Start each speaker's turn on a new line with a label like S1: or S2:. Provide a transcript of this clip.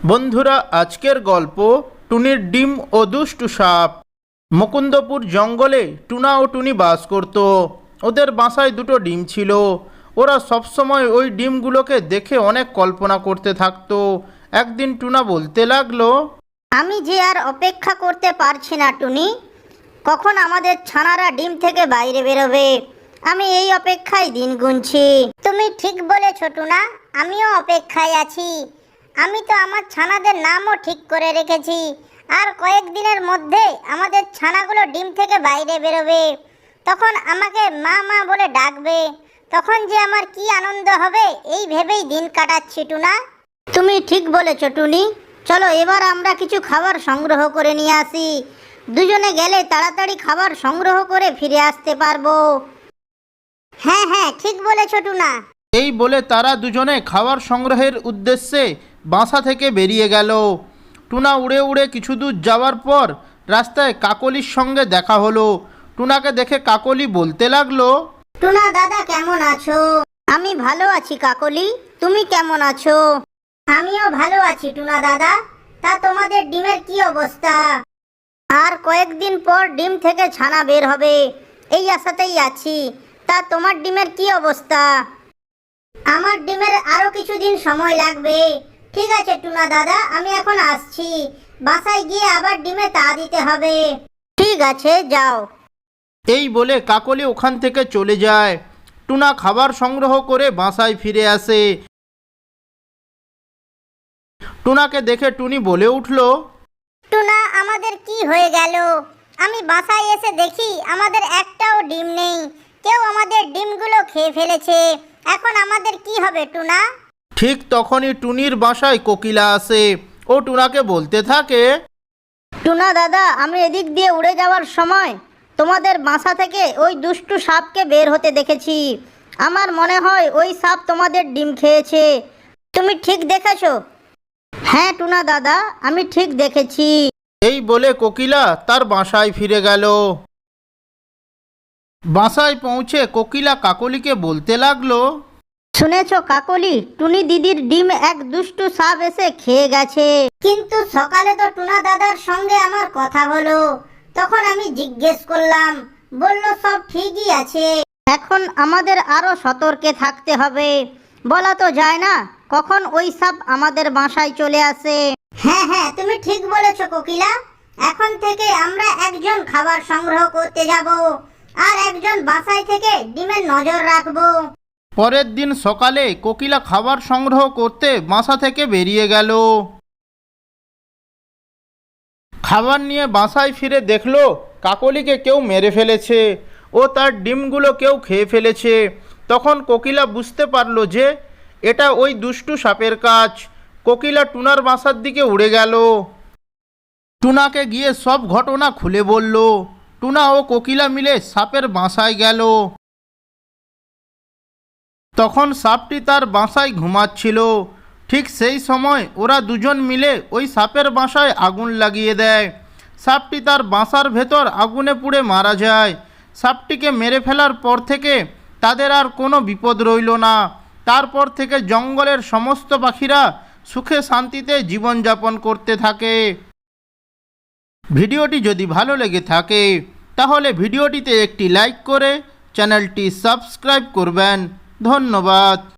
S1: বন্ধুরা, আজকের গল্প টুনির ডিম ও দুষ্টু সাপ। মুকুন্দপুর জঙ্গলে টুনা ও টুনি বাস করত। ওদের বাসায় দুটো ডিম ছিল। ওরা সবসময় ওই ডিমগুলোকে দেখে অনেক কল্পনা করতে থাকতো। একদিন টুনা বলতে লাগলো,
S2: আমি যে আর অপেক্ষা করতে পারছি না টুনি, কখন আমাদের ছানারা ডিম থেকে বাইরে বেরোবে। আমি এই অপেক্ষায় দিন গুনছি। তুমি ঠিক বলেছ টুনা, আমিও অপেক্ষায় আছি। আমি তো আমার ছানাদের নামও ঠিক করে রেখেছি। আর কয়েকদিনের মধ্যে আমাদের ছানাগুলো ডিম থেকে বাইরে বেরোবে। তখন আমাকে মা মা বলে ডাকবে। তখন যে আমার কি আনন্দ হবে, এই ভেবেই দিন কাটাচ্ছি টুনা। তুমি ঠিক বলেছ টুনি। চলো এবার আমরা কিছু খাবার সংগ্রহ করে নিয়ে আসি। দুজনে গেলে তাড়াতাড়ি খাবার সংগ্রহ করে ফিরে আসতে পারবো। হ্যাঁ হ্যাঁ, ঠিক বলেছ টুনা।
S1: এই বলে তারা দুজনে খাবার সংগ্রহের উদ্দেশ্যে বাসা থেকে বেরিয়ে গেল। টুনা উড়ে উড়ে কিছু দূর যাওয়ার পর রাস্তায় কাকলির সঙ্গে দেখা হলো। টুনাকে দেখে কাকলি বলতে লাগলো,
S2: টুনা দাদা কেমন আছো? আমি ভালো আছি কাকলি, তুমি কেমন আছো? আমিও ভালো আছি টুনা দাদা। তা তোমাদের ডিমের কি অবস্থা? আর কয়েকদিন পর ডিম থেকে ছানা বের হবে, এই আশাতেই আছি। তা তোমার ডিমের কি অবস্থা? আমার ডিমের আরো কিছুদিন সময় লাগবে। ঠিক আছে টুনা দাদা, আমি এখন আসছি। বাসায় গিয়ে আবার ডিমে তা দিতে হবে। ঠিক আছে, যাও।
S1: এই বলে কাকলি ওখান থেকে চলে যায়। টুনা খাবার সংগ্রহ করে বাসায় ফিরে আসে। টুনাকে দেখে টুনি বলে উঠল,
S2: টুনা, আমাদের কি হয়ে গেল? আমি বাসায় এসে দেখি আমাদের একটাও ডিম নেই। কেউ আমাদের ডিমগুলো খেয়ে ফেলেছে। এখন আমাদের কি হবে টুনা?
S1: ঠিক তখনই টুনির বাসায় কোকিলা আসে। ও টুনাকে বলতে থাকে,
S2: টুনা দাদা, আমি এদিক দিয়ে উড়ে যাওয়ার সময় তোমাদের বাসা থেকে ওই দুষ্টু সাপকে বের হতে দেখেছি। আমার মনে হয় ওই সাপ তোমাদের ডিম খেয়েছে। তুমি ঠিক দেখেছো? হ্যাঁ টুনা দাদা, আমি ঠিক দেখেছি।
S1: এই বলে কোকিলা তার বাসায় ফিরে গেল। বাসায় পৌঁছে কোকিলা কাকলিকে বলতে লাগলো,
S2: শুনেছো কাকলি, টুনি দিদির ডিম এক দুষ্টু সাপ এসে খেয়ে গেছে। কিন্তু সকালে তো টুনা দাদার সঙ্গে আমার কথা হলো। তখন আমি জিজ্ঞেস করলাম, বলল সব ঠিকই আছে। এখন আমাদের আরো সতর্কে থাকতে হবে। বলা তো যায় না কখন ওই সাপ আমাদের বাসায় চলে আসে। হ্যাঁ হ্যাঁ, তুমি ঠিক বলেছো কোকিলা। এখন থেকে আমরা একজন খাবার সংগ্রহ করতে যাব, আর একজন বাসায় থেকে ডিমের নজর রাখবো।
S1: পরের দিন সকালে কোকিলা খাবার সংগ্রহ করতে বাসা থেকে বেরিয়ে গেল। খাবার নিয়ে বাসায় ফিরে দেখলো কাকলিকে কেউ মেরে ফেলেছে ও তার ডিমগুলো কেউ খেয়ে ফেলেছে। তখন কোকিলা বুঝতে পারলো যে এটা ওই দুষ্টু সাপের কাজ। কোকিলা টুনার বাসার দিকে উড়ে গেল। টুনাকে গিয়ে সব ঘটনা খুলে বলল। টুনা ও কোকিলা মিলে সাপের বাসায় গেল। তখন সাপটি তার বাসায় ঘুমাচ্ছিল। ঠিক সেই সময় ওরা দুজন মিলে ওই সাপের বাসায় আগুন লাগিয়ে দেয়। সাপটি তার বাসার ভেতর আগুনে পুড়ে মারা যায়। সাপটিকে মেরে ফেলার পর থেকে তাদের আর কোনো বিপদ রইল না। তারপর থেকে জঙ্গলের সমস্ত পাখিরা সুখে শান্তিতে জীবনযাপন করতে থাকে। ভিডিওটি যদি ভালো লেগে থাকে তাহলে ভিডিওটিতে একটি লাইক করে চ্যানেলটি সাবস্ক্রাইব করবেন। ধন্যবাদ।